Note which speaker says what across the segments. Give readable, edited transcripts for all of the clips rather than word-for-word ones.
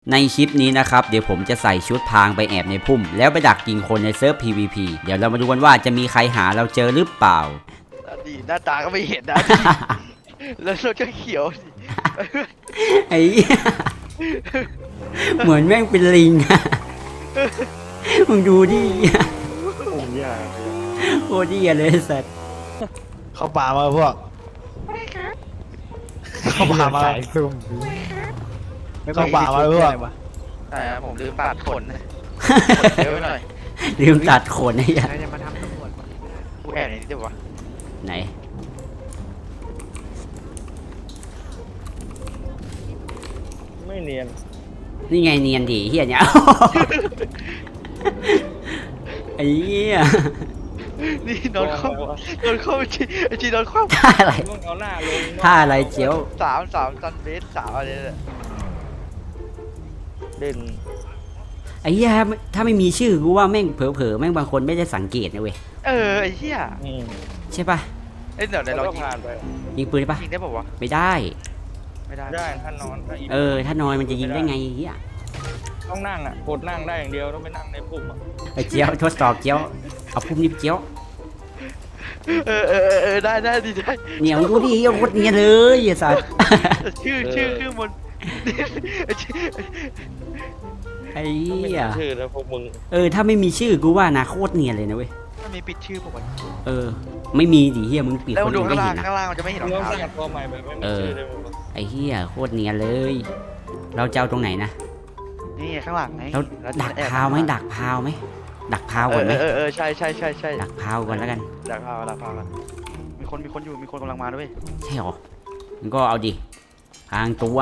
Speaker 1: ในคลิปนี้นะครับเดี๋ยวผมจะใส่ชุดพรางไปแอบในพุ่มแล้วไปดักยิงคนในเซิร์ฟ PVP เดี๋ยวเรามาดูกันว่าจะมีใครหาเราเจอหรือเปล่า
Speaker 2: ดีหน้าตาก็ไม่เห็นนะ แล้วรถก็เขียว
Speaker 1: ไอ้เหี้ยเหมือนแม่งเป็นลิงอะมึงดูดิโคตรดีเลยสัตว์
Speaker 3: เข้าป่ามาพวกเข้าป่ามาเข้าป่ามาพวก
Speaker 2: แต่ผมลืมตัดขนเยอะไปหน่อย
Speaker 1: ลืมตัดขนไอ้เหี้ย
Speaker 2: จะมาทำตำรวจกูแอบไหนดีวะ
Speaker 1: ไหน
Speaker 3: ไม่เนียน
Speaker 1: นี่ไงเนียนดิเฮียเนี่ย ไอ้เหี้ย
Speaker 2: นี่นอนคว่ำจีนอนคว่ำ
Speaker 1: ท่าอะไร
Speaker 3: ต้องเอาหน้าลง
Speaker 1: ท่าอะไรเจียว
Speaker 2: สามซันเบสสามอะไรเนี่ย
Speaker 3: เด่น
Speaker 1: ไอ้เหี้ยถ้าไม่มีชื่อกูว่าแม่งเผลอๆแม่งบางคนไม่ได้สังเกตนะเว้ย
Speaker 2: ไอ้เหี้ย
Speaker 1: ใช่ปะ
Speaker 2: เดี๋ยวเรา
Speaker 3: ผ่านไป
Speaker 1: ยิงปืนได้ปะ
Speaker 2: ยิงได้ป่าวะ
Speaker 1: ไม่ได้
Speaker 2: ไม่ได้
Speaker 3: ได้ถ้านอนถ้าอีก
Speaker 1: ถ้านอนมันจะยิงได้ไงไอ้เหี้ย
Speaker 3: ต้องนั่งอ่ะกดนั่งได้อย่างเดียวต้องไปนั่งในปุ่มอ่ะ
Speaker 1: ไอ้เจียวทดสอบเจียวเอาพุ่มนิบเจียว
Speaker 2: ได้ดีได้
Speaker 1: เนี่ยมึงดูดิเอาโคตรเนียนเลยไอ้สัส
Speaker 2: ชื่อมัน
Speaker 1: ไอ้
Speaker 3: ไม่
Speaker 1: เหี้ย
Speaker 3: ชื่อแล้วพวกมึง
Speaker 1: ถ้าไม่มีชื่อกูว่านะโคตรเนียนเลยนะเว้ย
Speaker 2: มันมีปิดชื่อผม
Speaker 1: ไม่มีดิเหี้ยมึงปิด
Speaker 2: แล้ว
Speaker 1: คน
Speaker 2: ดู
Speaker 1: อื่นไม่
Speaker 2: ข้างล่า
Speaker 1: เห็นนะ
Speaker 2: งข้างล่างมันจะไม่เห็นรอง
Speaker 3: ต้อง
Speaker 2: เท้า
Speaker 3: สร้างตัวใหม่แบบไม่มีชื่อเลยมึง
Speaker 1: ไอ้เหี้ยโคตรเนียนเลย เราจะเอาตรงไหนนะ
Speaker 2: นี่ข้างหลังไง
Speaker 1: เราดักพาวไหมดักพาวไหมดักพาวก่อนไหม
Speaker 2: ใช่
Speaker 1: ดักพาวก่อนแล้วกัน
Speaker 2: ดักพาวกันมีคนอยู่มีคนกำลังมาด้วย
Speaker 1: ใช่หรอมันก็เอาดิพรางตัว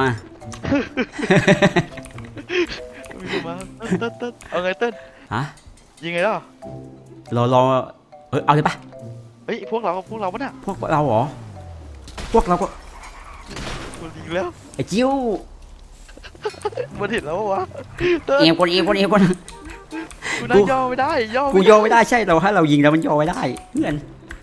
Speaker 2: มีคนมาเต้นเอาไงเต้น
Speaker 1: ฮะ
Speaker 2: ยิงไงล่ะ
Speaker 1: รอเอาเลยปะ
Speaker 2: เฮ้ยพวกเราปะเนี่ย
Speaker 1: พวกเราเหรอพวกเราก็
Speaker 2: มันยิงแล้ว
Speaker 1: ไอ้จิ้ว
Speaker 2: มันเห็นแล้ววะเต้น
Speaker 1: เอวก่อน
Speaker 2: กูนั่งย่อไม่ได้
Speaker 1: กูย่อไม่ได้ใช่เราถ้าเรายิงแล้วมันย่อไม่ได้เพื่อน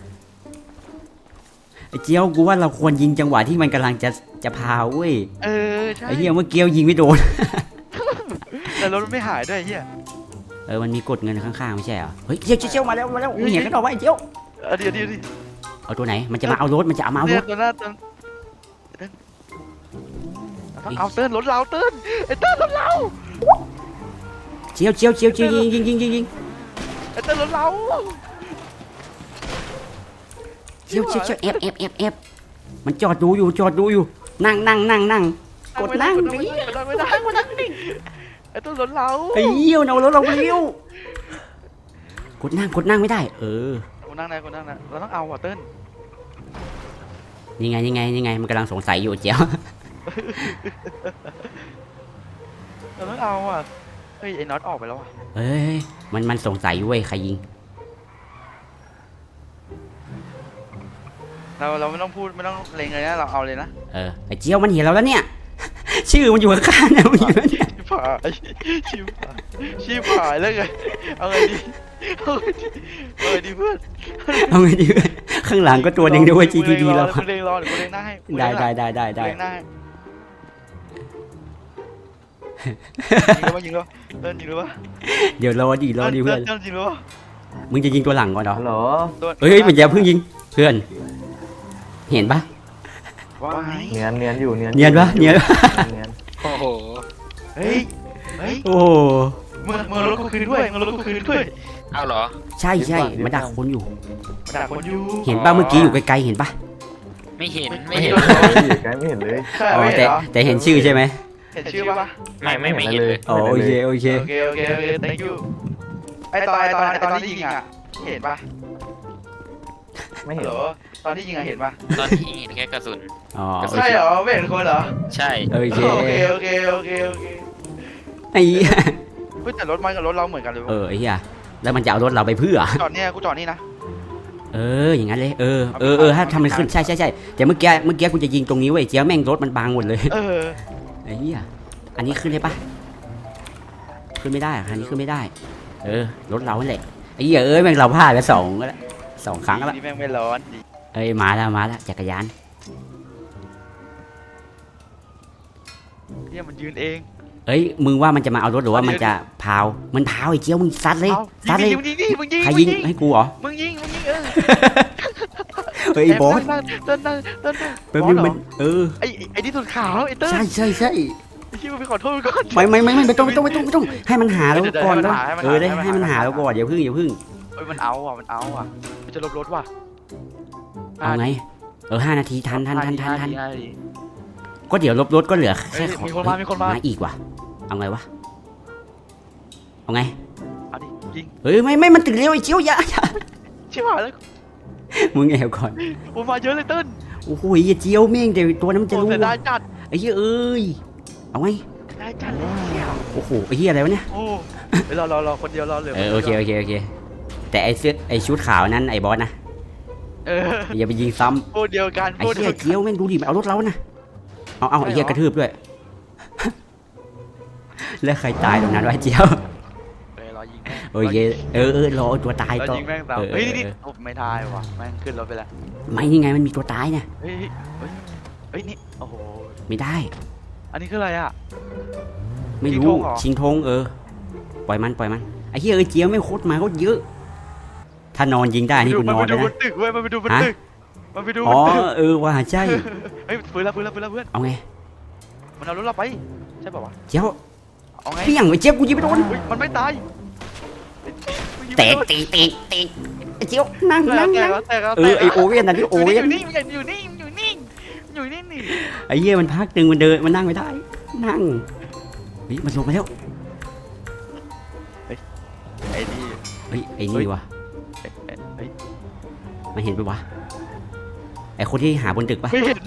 Speaker 1: ไอ้เจียวกูว่าเราควรยิงจังหวะที่มันกำลังจะพาวเว้ย
Speaker 2: ใช่
Speaker 1: ไอ้เหี้ยเมื่อกี้ยิงไม่โดน
Speaker 2: แต่รถไม่หายด้วยเฮีย
Speaker 1: มันมีกดเงินข้างๆไม่ใช่เหรอเฮ้ยเจียวมาแล้วมีเห็นกันต่อไว้เจียว
Speaker 2: เดี๋ยว
Speaker 1: เอาตัวไหนมันจะมาเอารถมันจะเอามาเอาร
Speaker 2: เนี่ย
Speaker 1: ถ
Speaker 2: ตัวหน้าเต้นเอาเต้นรถเราเต้นไอ้เต้นรถเรา
Speaker 1: เจียวยิง
Speaker 2: ไอ้เต้นรถเรา
Speaker 1: เจียวเอฟมันจอดดูอยู่นั่งกดนั่งดิ
Speaker 2: ไม่ได้ไอ้เต้นรถเรา
Speaker 1: ไอ้เหี้ยเอารถเราไปเร็วกดนั่งไม่ได้
Speaker 2: กูนั่งนะเราต้องเอาว่ะเต้น
Speaker 1: นี่ไงมันกำลังสงสัยอยู่เจียว
Speaker 2: เราต้องเอาอ่ะเฮ้ยไอ้น็อตออกไปแล้วอ่ะ
Speaker 1: เฮ้ยมันสงสัยอยู่เว้ยใครยิง
Speaker 2: เราไม่ต้องพูดไม่ต้องเล็งเลยนะเราเอาเลยนะ
Speaker 1: ไอ้เจียวมันเห็นเราแล้วเนี่ย ชื่อมันอยู่ข้างๆเนี่ยมันอยู่แล้วเนี่ย
Speaker 2: ชิบหายแล้วไงเอาไงดีเพื่อน
Speaker 1: เอาไงดีเว้ยข้างหลังก็ตัวหนึ่งด้วย GTD เรา
Speaker 2: กูเล็งรอเดี๋ยวกูเล็งหน้าให้
Speaker 1: ได้
Speaker 2: เล็งหน้าให้ยิงแล้วเต้นยิงแล้ววะ
Speaker 1: เดี๋ยวรอดิเพื่อน
Speaker 2: เต้นยิงแล้ววะ
Speaker 1: มึงจะยิงตัวหลังก่อนเหรอ
Speaker 3: ฮัลโหล
Speaker 1: เฮ้ยมันอย่าเพิ่งยิงเพื่อนเห็นปะ
Speaker 2: ว้าย
Speaker 3: เนียนอยู่เนียน
Speaker 1: เนียนปะ
Speaker 3: โอ้โห
Speaker 2: เฮ้ย
Speaker 1: โอ้
Speaker 2: มึงรถกูคืนด้วย
Speaker 4: เอาเหรอ
Speaker 1: ใช่มันดักคนอยู่
Speaker 2: ด่าคนอยู่
Speaker 1: เห็นปะเมื่อกี้อยู่ไกลๆเห็นปะ
Speaker 4: ไม่เห็น
Speaker 2: ไม่
Speaker 4: ไม่
Speaker 2: เห็
Speaker 4: เห็
Speaker 2: น
Speaker 4: น
Speaker 3: ไกลไม่เห็นเลย
Speaker 1: อ๋อแต่เห็นชื่อใช่ไหม
Speaker 2: เห็นชื่อปะ
Speaker 4: ไม่เห็นเลย
Speaker 1: อ๋อโอเค
Speaker 2: โอเค thank you ไอตอนที่ยิงอ่ะเห็นปะ
Speaker 3: ไม่เห็น
Speaker 2: เหรอตอนที่ยิงอ่ะเห็นปะ
Speaker 4: ตอนที่เห็นแค่กระสุน
Speaker 1: อ๋อ
Speaker 2: ใช่เหรอไม่เห็นคนเหรอ
Speaker 4: ใช่
Speaker 1: โอเค
Speaker 2: โอเค
Speaker 1: ไอ้เหี้ย
Speaker 2: เฮ้ยแต่รถมันกับรถเราเหมือนกันเลย
Speaker 1: ไอ้เหี้ยแล้วมันจะเอารถเราไปเพื่อ
Speaker 2: จอดเนี่ยกูจอดนี่นะ
Speaker 1: อย่างนั้นเลยถ้าทำมันขึ้นใช่แต่เมื่อกี้กูจะยิงตรงนี้เว้ยเจี๊ยบแม่งรถมันบางหมดเลยไอ้เหี้ยอันนี้ขึ้นได้ปะขึ้นไม่ได้อันนี้ขึ้นไม่ได้รถเราแหละไอ้เหี้ยแม่งเราพลาดไปสองครั้งแล้ว
Speaker 2: นี่แม่งไม่ร้อนดิ
Speaker 1: มาแล้วจักรยาน
Speaker 2: เนี่ยมันยืนเอง
Speaker 1: เอ้ยมึงว่ามันจะมาเอารถหรือว่ามันจะพาวมันพาวไอ้เจียวมึงซัดเลยซัดเลย
Speaker 2: มึงยิงดิมึงยิง
Speaker 1: ใครยิงให้กูเหรอ
Speaker 2: มึงยิง
Speaker 1: เฮ้ยไอ้บอส
Speaker 2: เต้น
Speaker 1: แป๊บนึงมัน
Speaker 2: ไอ้ที่สุดขาวไอ้เต้น
Speaker 1: ใช่ใช่ใช่
Speaker 2: ไอ้ที่มึงไปขอโทษก่อน
Speaker 1: ไม่ต้องให้มันหาแล้วก่อน
Speaker 2: ให้มัน
Speaker 1: แล้ว
Speaker 2: หาให้มันหา
Speaker 1: ได้ให้มันหาแล้วก่อนอย่าพึ่ง
Speaker 2: เฮ้ยมันเอาอ่ะมันจะลบรถว่ะ
Speaker 1: เอาไง5 นาทีทัน
Speaker 2: ห้าที
Speaker 1: ก็เดี๋ยวลบรถก็เหลือแค่
Speaker 2: มีคนมา
Speaker 1: มาอีกว่ะเอาไงวะเอาไง
Speaker 2: เอาดิยิง
Speaker 1: เฮ้ยไม่มันถึงเร็วไอ้เจียวอย่า
Speaker 2: ชิบหายแล้ว
Speaker 1: มึงแอบก่อน
Speaker 2: ผมมาเยอะเลยเต้น
Speaker 1: โอ้โหไอ้เจียวเม่งแต่ตัวนั้นมันจะรู้
Speaker 2: เสียดายจัด
Speaker 1: ไอ้เหี้ยเอ้ยเอาไง
Speaker 2: ได้จัดเลยเที่ยว
Speaker 1: โอ้โหไอ้เหี้ยอะไรวะเนี่ย
Speaker 2: โอ้รอคนเดียวรอเหลือ
Speaker 1: โอเคแต่ไอ้ชุดขาวนั้นไอ้บอสนะ
Speaker 2: เออ
Speaker 1: อย่าไปยิงซ้
Speaker 2: พูดเดียวกัน
Speaker 1: ำไอ้
Speaker 2: พูด
Speaker 1: เหี้
Speaker 2: เดี
Speaker 1: ย
Speaker 2: ยว
Speaker 1: เจียวแม่งดูดิมันเอารถเรานะเอาไอ้เหี้ยกระทืบด้วย แล้วใครตายตรงนั้นวะเจียว
Speaker 2: รอยิง
Speaker 1: โอเครอตัวตาย
Speaker 2: รอ
Speaker 1: ต่อ
Speaker 2: ยิงแม่งตามเฮ้ยนี่ไม่ทายว่ะแม่งขึ้นรถไปแล้ว
Speaker 1: ไม่นี่ไงมันมีตัวตายเนี่ย
Speaker 2: เฮ้ยนี่โอ้โห
Speaker 1: ไม่ได้
Speaker 2: อันนี้คืออะไรอ่ะ
Speaker 1: ไม่รู้
Speaker 2: ชิงธงเหรอ
Speaker 1: ชิงธงปล่อยมันไอ้เหี้ยเจียวไม่โคตรมาเขาเยอะ ถ้านอนยิงได้นี่กูนอน
Speaker 2: ไป
Speaker 1: เลย
Speaker 2: ดูบ
Speaker 1: นะ
Speaker 2: นตึกเว้ยมันไปดูบนตึกมันไปดูบ
Speaker 1: อ๋อน
Speaker 2: ตึก
Speaker 1: ว่าใช่
Speaker 2: เฮ้ยฟื้นแล้วเพื่อน
Speaker 1: เอาไง
Speaker 2: มันเอารถเราไปใช่ป่าวะ
Speaker 1: เจียว
Speaker 2: เอาไง
Speaker 1: เปี้ยงไอ้เจียวกูยิงไม่โดน
Speaker 2: มันไม่ตาย
Speaker 1: เตะไอ้เจียวนั่ง
Speaker 2: แตก
Speaker 1: ไอโอเว่นนะที่โอเว่น
Speaker 2: อยู่นี่นี่
Speaker 1: ไอ้เหี้ยมันพักตึงมันเดินมันนั่งไม่ได้นั่งเฮ้ยมันลงมาแล้ว
Speaker 2: ไอ้นี่
Speaker 1: เฮ้ยไอ้นี่วะ
Speaker 2: เฮ้ย
Speaker 1: มันเห็นปะวะไอ้คนที่หาบนตึกปะ
Speaker 2: ไม่เห็น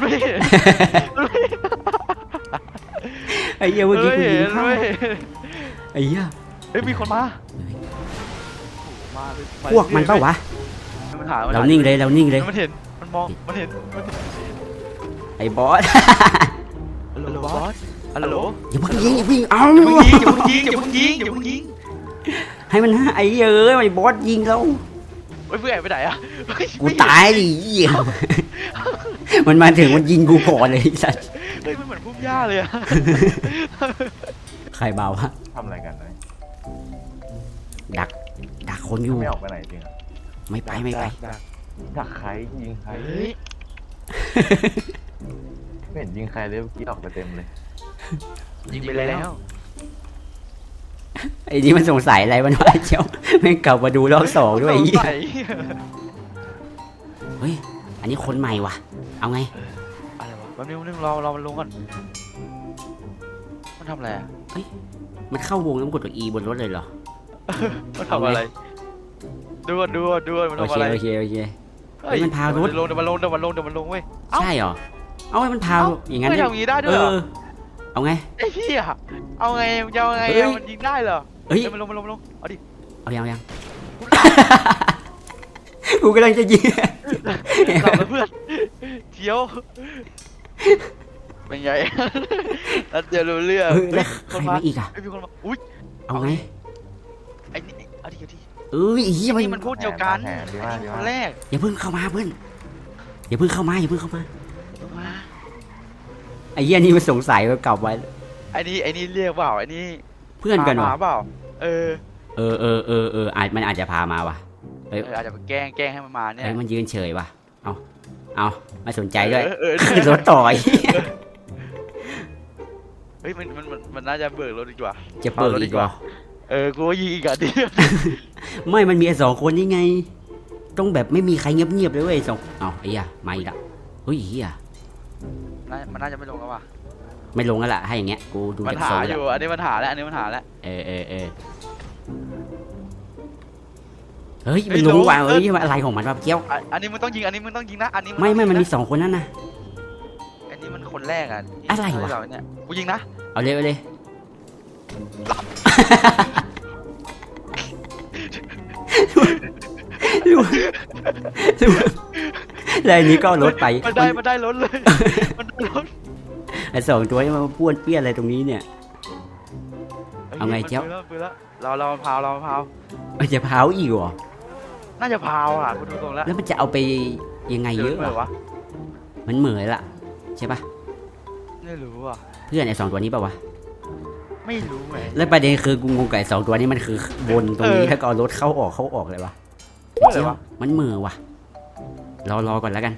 Speaker 1: ไอ้เหี้ยเมื่อกี้กูยิงเข้า
Speaker 2: ไม่
Speaker 1: ไอ้เหี้ย
Speaker 2: เฮ้ยมีคนมามา
Speaker 1: พวกมันเปล่าวะ
Speaker 2: มันหา
Speaker 1: เรานิ่งเลย
Speaker 2: มันเห็นมันมองมันเห็น
Speaker 1: ไอ้บอส
Speaker 2: ฮัลโหลบอสฮัลโหล
Speaker 1: อย่าเพิ่งยิงเอา
Speaker 2: อย่าเพิ่งยิง
Speaker 1: ให้มันไอ้เหี้ยไอ้บอสยิงเรา
Speaker 2: เฮ้ยเพื่อนไปไหนอะ
Speaker 1: กูตายดิเหี้ยมันมาถึงมันยิงกูก่อนเลยสัส
Speaker 2: เฮ้ยมันเหมือนพุ่มหญ้าเลยอะ
Speaker 1: ใครเบาวะ
Speaker 5: ทำอะไรกันนะ
Speaker 1: ดักคนอยู่
Speaker 5: ไม่ออกไปไหนจริงอะ
Speaker 1: ไม่ไป
Speaker 5: ดักใครยิงใคร
Speaker 2: เฮ้ย
Speaker 5: ไม่เห็นยิงใครเลยเมื่อกี้ออกไปเต็มเลย
Speaker 2: ยิงไปแล้ว
Speaker 1: ไอ้นี่มันสงสัยอะไรมันวะเจ้าแม่งกลับมาดูรอบสองด้วยไอ้เหี้ยเฮ้ยอันนี้คนใหม่ว่ะเอาไง
Speaker 2: อะไรวะแป๊บนึงเรามันลงก่อนมันทำอะไรอะ
Speaker 1: มันเข้าวงแล้วมันกดตัว E บนรถเลยเหรอ
Speaker 2: มันทำอะไรดูมัน
Speaker 1: โอ
Speaker 2: ทำอะไร
Speaker 1: เคเฮ้ยมันพารถ
Speaker 2: เดี๋ยวมันลงเว้ย
Speaker 1: ใช่เหรอเอาไว้มันพาอย่างนั้น
Speaker 2: ไม่ทำอย่างนี้ได้ด้วยเหรอ
Speaker 1: เอาไง
Speaker 2: ไอ้เหี้ยเอาไงจะเอาไง
Speaker 1: เฮ้ย
Speaker 2: มันยิงได้เหรอ
Speaker 1: เฮ้ย
Speaker 2: มันลงเอาดิ
Speaker 1: เอายัง กูกำลังจะยิง
Speaker 2: หลับแล้วเพื่อนเที่ยวเป็นไงแล้วจะรู้เรื่อง
Speaker 1: เฮ้ยแล้วใครมาอีกอ่ะ
Speaker 2: มีคนมาอุ้ย
Speaker 1: เอาไง
Speaker 2: ไอ้นี่เอาดิ
Speaker 1: เอ้ยไอ้เหี้ย
Speaker 2: นี่มันพูดเดียวกัน
Speaker 5: ดีมาก
Speaker 2: คนแรก
Speaker 1: อย่าเพิ่งเข้ามาเพื่อนอย่าเพิ่งเข้ามาไอ้เหี้ยนี่มันสงสัยว่ากลับไว้
Speaker 2: ไอ้นี่เรียกเปล่าไอ้นี่
Speaker 1: เพื่อนกัน
Speaker 2: ห
Speaker 1: วะ
Speaker 2: มาเปล่าเออ
Speaker 1: มันอาจจะพามาว่ะ
Speaker 2: อาจจะแกล้งให้มันมาเนี่ย
Speaker 1: เฮ้ยมันยืนเฉยว่ะเอาไม่สนใจด้วย
Speaker 2: เออ
Speaker 1: ขึ้นรถต่อย
Speaker 2: เฮ้ยมันน่าจะเบิกรถดีกว่า
Speaker 1: จะเปิดอีกเหรอ
Speaker 2: กูว่ายิงอีกอ่ะดิ
Speaker 1: ไม่มันมีไอ้สองคนนี่ไง ต้องแบบไม่มีใครเงียบๆเลยเว้ยสองเอาไอ้เหี้ยมาอีกละเฮ้ยเหี้ย
Speaker 2: มันน่าจะไม่ลงแล้วว่ะ
Speaker 1: ไม่ลงแล้วล่ะให้อย่างเงี้ยกูดู
Speaker 2: มัน
Speaker 1: จาก
Speaker 2: หา
Speaker 1: โซ่
Speaker 2: อ
Speaker 1: แล้ว
Speaker 2: ยู่อันนี้มันหาแล้ว
Speaker 1: เฮ้ยมันรู้ว่าเฮ้ยมันอะไรของมันวะเกี้ยว
Speaker 2: อันนี้มึงต้องยิงนะอันนี้
Speaker 1: ไม่มันมีสองคนนั่นนะ
Speaker 2: อันนี้มันคนแรกอ่ะ
Speaker 1: อะไรวะ
Speaker 2: เนี่ยกูยิงนะ
Speaker 1: เอาเลยแล้วอันนี้ก็เอารถไป
Speaker 2: มันได้รถเลยมันได้รถ
Speaker 1: ไอ้สองตัวนี้มันป้วนเปี้ยนอะไรตรงนี้เนี่ย เอาไงเจ้า
Speaker 2: ปืนแล้วเราพาว
Speaker 1: มันจะเผาอีกเหรอ
Speaker 2: น่าจะพาวอ่ะกูดูตรงแล้ว
Speaker 1: แล้วมันจะเอาไปยังไงเยอะ
Speaker 2: เล
Speaker 1: วะ
Speaker 2: วะ
Speaker 1: มันเหมือนละใช่ปะ
Speaker 2: ไม่รู้อ่ะ
Speaker 1: เพื่อนไอ้สองตัวนี้ปะวะ
Speaker 2: ไไม่รู้ไง
Speaker 1: แล้วประเด็นคือกูงงไก่สองตัวนี้มันคือวนตรงนี้
Speaker 2: เออ
Speaker 1: แล้วก็เอารถเข้าออกเลยวะ
Speaker 2: อะไรวะ
Speaker 1: มันมือวะรอก่อนแล้วกัน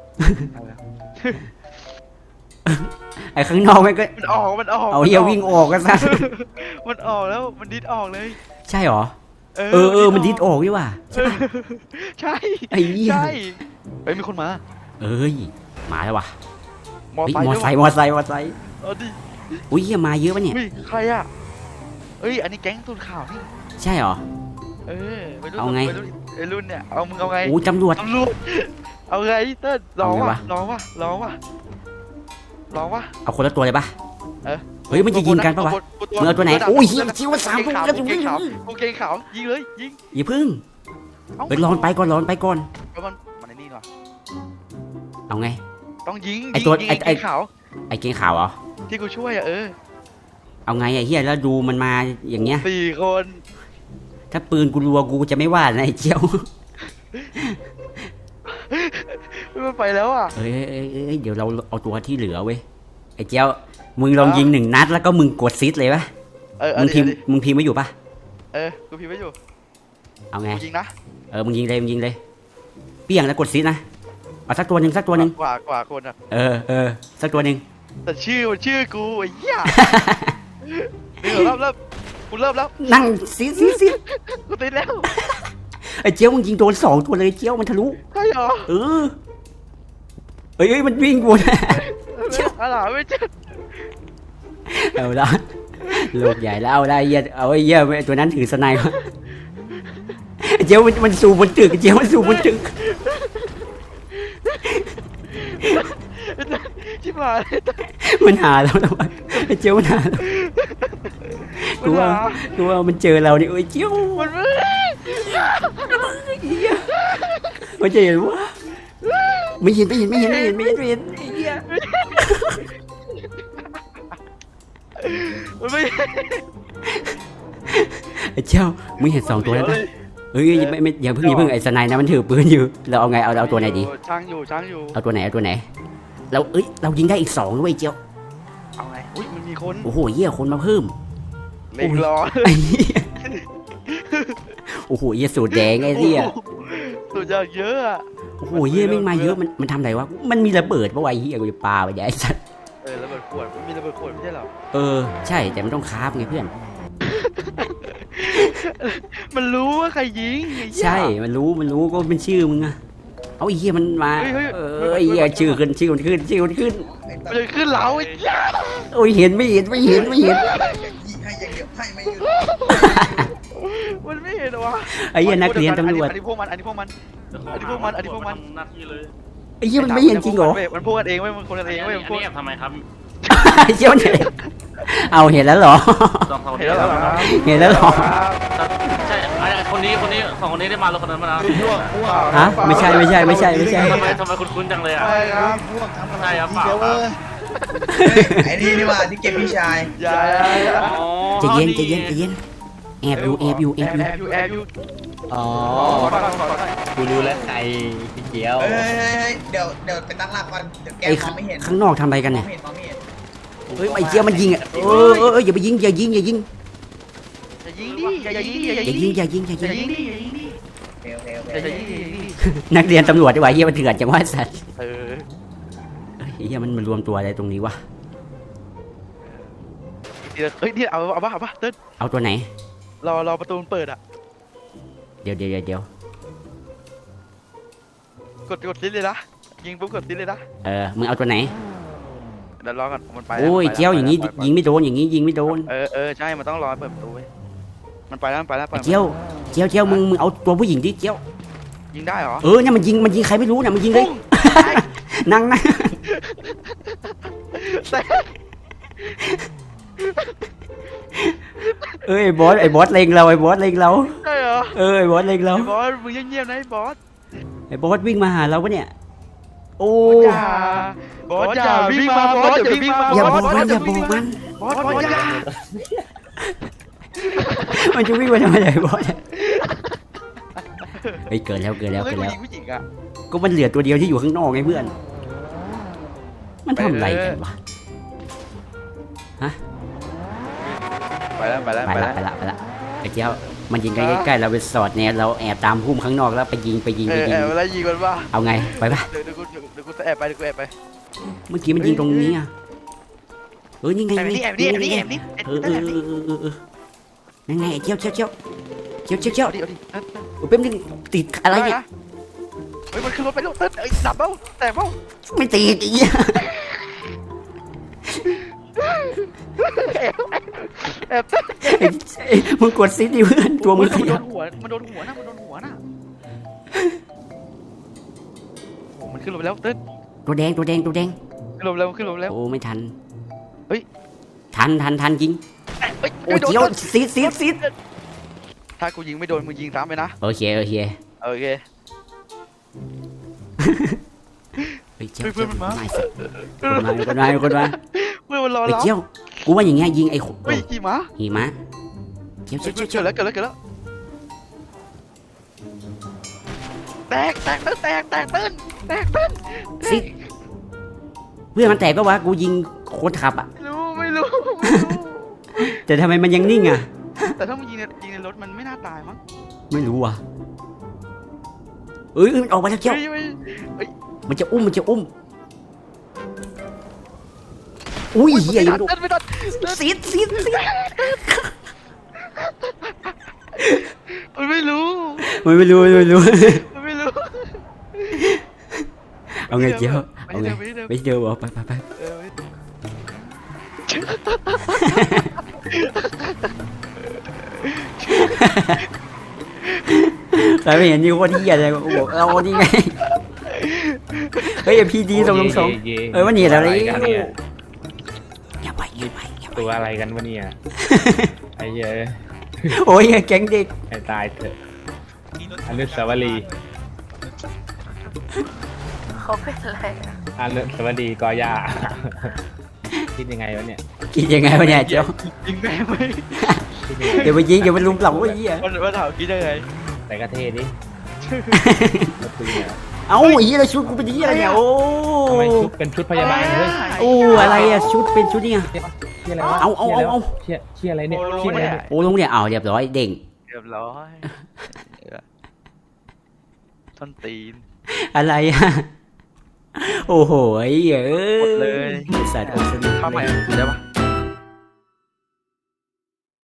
Speaker 1: ไอ้ข้างนอกมันก็
Speaker 2: มันออก
Speaker 1: เอาเฮียวิ่งออกกันซะ
Speaker 2: มันออกแล้วมันดิดออกเลย
Speaker 1: ใช่หรอเออมันดิดออกดีว่ะ
Speaker 2: ใช่
Speaker 1: ไอ้เหี้ย
Speaker 2: ใช่เฮ้ยมีคนมา
Speaker 1: เอ้ยมาแล้วว่ะ
Speaker 2: มอ
Speaker 1: เฮ้ย
Speaker 2: ไซค์
Speaker 1: มอ
Speaker 2: ด้วย
Speaker 1: ไซ
Speaker 2: วะ
Speaker 1: ค์
Speaker 2: เอาดิ
Speaker 1: อุ้ยเฮียมาเยอะปะเนี่ย
Speaker 2: เฮ้ยใครอ่ะเอ้ยอันนี้แก๊งตูนข่าวนี่
Speaker 1: ใช่หรอ
Speaker 2: เออวัยรุ่น
Speaker 1: เอาไง
Speaker 2: วัยรุ่นไอ้รุ่นเนี่ยเอามึงเอาไง
Speaker 1: อู้ตำรวจ
Speaker 2: ตำรวจเอาไงเติ้ลร้อง
Speaker 1: เอาไง
Speaker 2: วะ
Speaker 1: วะ
Speaker 2: ร้องวะร้องวะร้องวะ
Speaker 1: เอาคนละตัวเลยปะ
Speaker 2: เออ
Speaker 1: เฮ้ยมันจะยิงกันปะวะ มึงเอาตัวไหนโอ้ยเหี้ยเชี่ยวสามตัว
Speaker 2: กางเกงขาวกางเกงขาวยิงเลยยิง
Speaker 1: อย่าพึ่ง
Speaker 2: เอ้า
Speaker 1: ไปร้อนไปก่อน
Speaker 2: แล้วมันไอ้นี่ก่อน
Speaker 1: เอาไง
Speaker 2: ต้องยิง
Speaker 1: ไอ้ตัว
Speaker 2: ยิง
Speaker 1: ไอ้
Speaker 2: ไอ้ขาว
Speaker 1: ไอ้เกงขาวเหรอ
Speaker 2: ที่กูช่วยอ่ะ
Speaker 1: เอาไงไอ้เฮียแล้วดูมันมาอย่างเงี้ย
Speaker 2: 4 คน
Speaker 1: ถ้าปืนกูรัวกูจะไม่ว่านะไอ้เจียว
Speaker 2: มันไปแล้วอ่ะ
Speaker 1: เอ้ยเดี๋ยวเราเอาตัวที่เหลือเว้ย ไอ้เจียว มึงลองยิง1 นัดแล้วก็มึงกดซิดเลยปะ
Speaker 2: เอา
Speaker 1: มึง
Speaker 2: ดิ
Speaker 1: พิมพ์มึงพิมพ์ไว้อยู่ปะ
Speaker 2: กูพิมพ์ไว้อยู่
Speaker 1: เอาไง
Speaker 2: กูยิงนะ
Speaker 1: มึงยิงเลย เปี้ยงแล้วกดซิดนะ เอาสักตัวหนึ่ง
Speaker 2: กว่าคนอ่ะ
Speaker 1: สักตัวหนึ่ง
Speaker 2: แต่ชื่อกูไอ้เหี้ยเริ่มกูเริ่มแล้ว
Speaker 1: นั่งซิด
Speaker 2: กูติดแล้ว
Speaker 1: ไอ้เจียวมึงยิงโดน2 ตัวเลยเจียวมันทะลุ
Speaker 2: ใช่เหรอ
Speaker 1: เอ้ยมันวิ่งกูนะ
Speaker 2: อะไรไม่เจอ
Speaker 1: เอาละลูกใหญ่แล้วเอาได้เหี้ยเอาไอ้เหี้ยไอ้ตัวนั้นถือสไนป์วะไอ้เจียวมันสูบบนตึกไอ้เจียวมันสูบบนตึก
Speaker 2: ชิบหาย
Speaker 1: มันหาเราแล้ววะไอ้เจียวมันหาเรากูว่ามันเจอเรานี่โอ้ยเจียว
Speaker 2: มันไม่
Speaker 1: มันจะเห็นว่าไม่เห็นไอ้เหี้ย
Speaker 2: มันไม่
Speaker 1: ไอ้เจียวมึงเห็น2 ตัวแล้วนะเฮ้ยไม่อย่าเพิ่งไอ้สไนป์นะมันถือปืนอยู่เราเอาไงเอาตัวไหนดี
Speaker 2: ช่างอยู่
Speaker 1: เอาตัวไหนเรายิงได้อีก2ด้วยเจียว
Speaker 2: เอาไงอุ้ยมันมีคน
Speaker 1: โอ้โหเหี้ยคนมาเพิ่ม
Speaker 2: เล็งรอ
Speaker 1: ไอ้เหี้ยโอ้โหเหี้ยสูตรแดงไอ้เหี้ย
Speaker 2: สุดยอดเยอะอะ
Speaker 1: โอ้โหเหี้ยแม่งมาเยอะมันทำไรวะมันมีระเบิดปะวะไอ้เหี้ยกูจะปาไปไอ้สัส
Speaker 2: ระเบิดขวดมันมีระเบิดขวดไม่ใช่เหรอ
Speaker 1: ใช่แต่มันต้องคราฟไงเพื่อน
Speaker 2: มันรู้ว่าใครยิงไอ้เหี้ย
Speaker 1: ใช่มันรู้ก็เป็นชื่อมึงอะเอาไอ้เหี้ยมันมา
Speaker 2: เฮ้ย
Speaker 1: ไอ้เหี้ยชื่อมันขึ้น
Speaker 2: มันจะขึ้นเราไอ้เหี้ย
Speaker 1: โอ้ยเห็นไม่เห็น
Speaker 6: ให้อย่างเดียวให้ไม่หยุด
Speaker 2: มันไม่เห็นเหรอวะ
Speaker 1: ไอ้เหี้ยนักเรียนตำรวจ
Speaker 2: อันนี้พวกมัน
Speaker 3: หน้าที่เลย
Speaker 1: ไอ้เหี้ยมันไม่เห็นจริงเหรอ
Speaker 2: มันพูดกันเองเว้ยมันคนกันเองเว้ย
Speaker 3: อั
Speaker 2: มัน
Speaker 3: น
Speaker 2: พูด
Speaker 3: นี้แอบทำไมครับ
Speaker 1: ไอ้เหี้ยมันเห็นเอาเห็นแล้วเหรอ
Speaker 3: สองคน
Speaker 2: เห็นแล้วเหรอ
Speaker 1: เห็นแล้วเหรอ
Speaker 3: ใช่คนนี้สองคนนี้ได้มารถคนนั้นมาแล้ว
Speaker 1: ฮะไม่ใช่
Speaker 3: ทำไมคุ้นๆจังเลยอ่ะ
Speaker 2: ใช่ครับ
Speaker 6: พวกทำ
Speaker 3: ใช่ครับเปล่า
Speaker 6: ไอ้นี่นี่ว่าที่เก็บพี่ชาย
Speaker 2: อย่า
Speaker 1: ใจเย็นแอบอยู่
Speaker 2: แอบอยู่
Speaker 7: อ๋อ กูรู้แล้วใครพี่เจียว
Speaker 6: เฮ้ยเดี๋ยวไปตั้งหลักก่อนเดี๋ยวแก
Speaker 1: ไอ้
Speaker 6: มองไม่เห็น
Speaker 1: ข้างนอกทำอะไรกัน
Speaker 6: มอ
Speaker 1: เนี่
Speaker 6: ง
Speaker 1: ย
Speaker 6: ไม่เห็นมองไม่เห็น
Speaker 1: เฮ้ยไอ้เจี๊ยมันยิงอ่ะอย่าไปยิงอย่ายิง
Speaker 2: อย่ายิงดิอย่ายิงดิ
Speaker 1: อย่ายิง
Speaker 2: อย่ายิงดิอย่ายิงดิ
Speaker 6: โอเค
Speaker 2: อย่ายิงดิ
Speaker 1: นักเรียนตำรวจดีกว่าเฮียมันเถื่อนจังว่าสัตว์
Speaker 2: เออ
Speaker 1: เฮียมันมารวมตัวอะไรตรงนี้วะ
Speaker 2: เฮ้ยนี่เอาป่ะเติ้ล
Speaker 1: เอาตัวไหน
Speaker 2: รอประตูมันเปิดอ่ะ
Speaker 1: เดี๋ยว
Speaker 2: กดซิดเลยนะยิงปุ๊บกดซิดเลยนะ
Speaker 1: มึงเอาตัวไหน
Speaker 2: เดี๋ยวรอก่อนมันไป
Speaker 1: โอ้ยเจียวอย่างนี้ยิงไม่โดนอย่างนี้ยิงไม่โดน
Speaker 2: ใช่มันต้องรอเปิดประตูเว้ยมันไปแล้ว
Speaker 1: เจียวมึงเอาตัวผู้หญิงดิเจียว
Speaker 2: ยิงได้เหรอ
Speaker 1: เนี่ยมันยิงใครไม่รู้เนี่ยมันยิงเลยนั่งไอ้บอสเล็งเรา
Speaker 2: ใช่เหรอ
Speaker 1: ไอ้บอสเล็งเรา
Speaker 2: บอสมึงเงียบๆนะบอส
Speaker 1: ไอ้บอสวิ่งมาหาเราปะเนี่ยโอ้
Speaker 2: บอสอย่าวิ่งมาบอสอย่าวิ่งมา
Speaker 1: อย่าบอกมัน
Speaker 2: บอสอย่า
Speaker 1: มันจะวิ่งมาทำไมเลยบอสเฮ้ยเกินแล้ว
Speaker 2: ผู้หญิงอ่ะ
Speaker 1: ก็มันเหลือตัวเดียวที่อยู่ข้างนอกไงเพื่อนมันทำอะไรกันวะฮะ
Speaker 2: ไปแล้วไปแล้ว
Speaker 1: ไป
Speaker 2: ไป
Speaker 1: ละ
Speaker 2: แล้ว
Speaker 1: ไปละไอ้เจ้ามันยิงใกล้ๆเราไปสอดแนวเราแอบตามพุ่มข้างนอกแล้วไปยิง
Speaker 2: เออเวลายิงมันว่า
Speaker 1: เอาไงไปปะ
Speaker 2: เดี๋ยวกูแอบไปเดี๋ยวกูแอบไป
Speaker 1: เมื่อกี้มันยิงตรงนี้อ่ะนี่ไง
Speaker 2: แอบนี่แอบนี่แอบนี่แอบนี่
Speaker 1: นั่นไงไอ้เจียวเจียว
Speaker 2: เอาดิ
Speaker 1: แป๊บนึงติดอะไรเนี่ย
Speaker 2: เฮ้ยมันขึ้นรถไปแล้วเต้นไอ้ดับเบ้าแตกเบ้า
Speaker 1: ไม่ติดอีก
Speaker 2: แอบเต้น
Speaker 1: มึงกดซิดิเพื่อนตัวมึงข
Speaker 2: มันโด
Speaker 1: ยับ
Speaker 2: นหัวมันโดนหัวนะมันโดนหัวนะโอ้มันขึ้นรถไปแล้วเต้น
Speaker 1: ตัวแดง
Speaker 2: ขึ้นรถแล้วขึ้นรถแล้ว
Speaker 1: โอ้ไม่ทัน
Speaker 2: เฮ้ย
Speaker 1: ทันยิง
Speaker 2: เฮ้ย
Speaker 1: โอ้เจียวซีด
Speaker 2: ถ้ากูยิงไม่โดนมึงยิงซ้ำไปนะ
Speaker 1: โอเค
Speaker 2: โอเค
Speaker 1: เฮ้ยเจียว
Speaker 2: เพื่อนมันมา
Speaker 1: ไม่สิคนมา
Speaker 2: เพื่อนมันรอ
Speaker 1: เฮ้ย
Speaker 2: เรา
Speaker 1: เจียวกูว่าอย่างเงี้ยยิงไอ้
Speaker 2: เฮ้ยขี่ม้า
Speaker 1: หิมะเจียว
Speaker 2: เกิดแล้วแตกเต้น
Speaker 1: ซิดเพื่อนมันแตกก็วะกูยิงคนขับอ่ะ
Speaker 2: ไม่รู้
Speaker 1: แต่ทำไมมันยังนิ่งอ่ะ
Speaker 2: แต่ถ้ามึงยิงในรถมันไม่น่าตายมั้ง
Speaker 1: ไม่รู้ว่ะเอ้ยมันออกมาแล้วเจียว
Speaker 2: เฮ้ย
Speaker 1: มันจะอุ้มอุ้ยเหี้ยยัง
Speaker 2: เต้นไม่ทัน
Speaker 1: ซีด
Speaker 2: มันไม่รู้
Speaker 1: ไม่รู้
Speaker 2: มันไม่รู้
Speaker 1: เอาไงเจียว
Speaker 2: ไป
Speaker 1: เอาไง
Speaker 2: เดิม
Speaker 1: ไม่เจอบอกไป
Speaker 2: เออ
Speaker 1: ใครไม่เห็นนี่โคตรเหี้ยเลยกูบอกเอานี่ไงเฮ้ยพีดีส่งลงส่งว่านี่อะไร
Speaker 7: กันเนี่ย
Speaker 1: อย่าไปยืนไปอย่าไป
Speaker 7: ตัวอะไรกันวะเนี่ยไอ้เหี้ย
Speaker 1: โอ้ยแก๊งเด็ก
Speaker 7: ให้ตายเถอะอนุสาวรีย์
Speaker 8: เขาเป็นอะไรอะ
Speaker 7: อนุสาวรีย์กอย่าคิดยังไงวะเนี่ย
Speaker 1: กินยังไงวะเนี่ยเจ้า
Speaker 2: ยิงแม่ไหม
Speaker 7: คิดยังไง
Speaker 1: เดี๋ยวไปยิงเดี๋ยวไปลุมเหล่าไอ้เหี้ย
Speaker 2: มันถามคิดยังไง
Speaker 7: แต่ก็เท่ดิแล้วคุยเนี่ย
Speaker 1: เอ้าไอ้เหี้ยเราชุดกูเป็นเหี้ยอะไรเนี่ยโอ้
Speaker 7: ทำไมชุดเป็นชุดพยาบาลเฮ้ย
Speaker 1: โอ้อะไรอะชุดเป็นชุดเนี่ย
Speaker 7: เชี่ยอะไรวะ
Speaker 1: เอา
Speaker 7: เชี่ยอะไรเนี่ยเชี่ยอะไรเนี่ย
Speaker 1: โอ้ลงเนี่ยเอาเรียบร้อยเด้ง
Speaker 2: เรียบร้อยต้นตีน
Speaker 1: อะไรอะโอ้โหไอ้เหี้ย
Speaker 2: หมดเลย
Speaker 1: สัตว์โอ้สนุก
Speaker 2: ข้าวใหม่ได้ปะ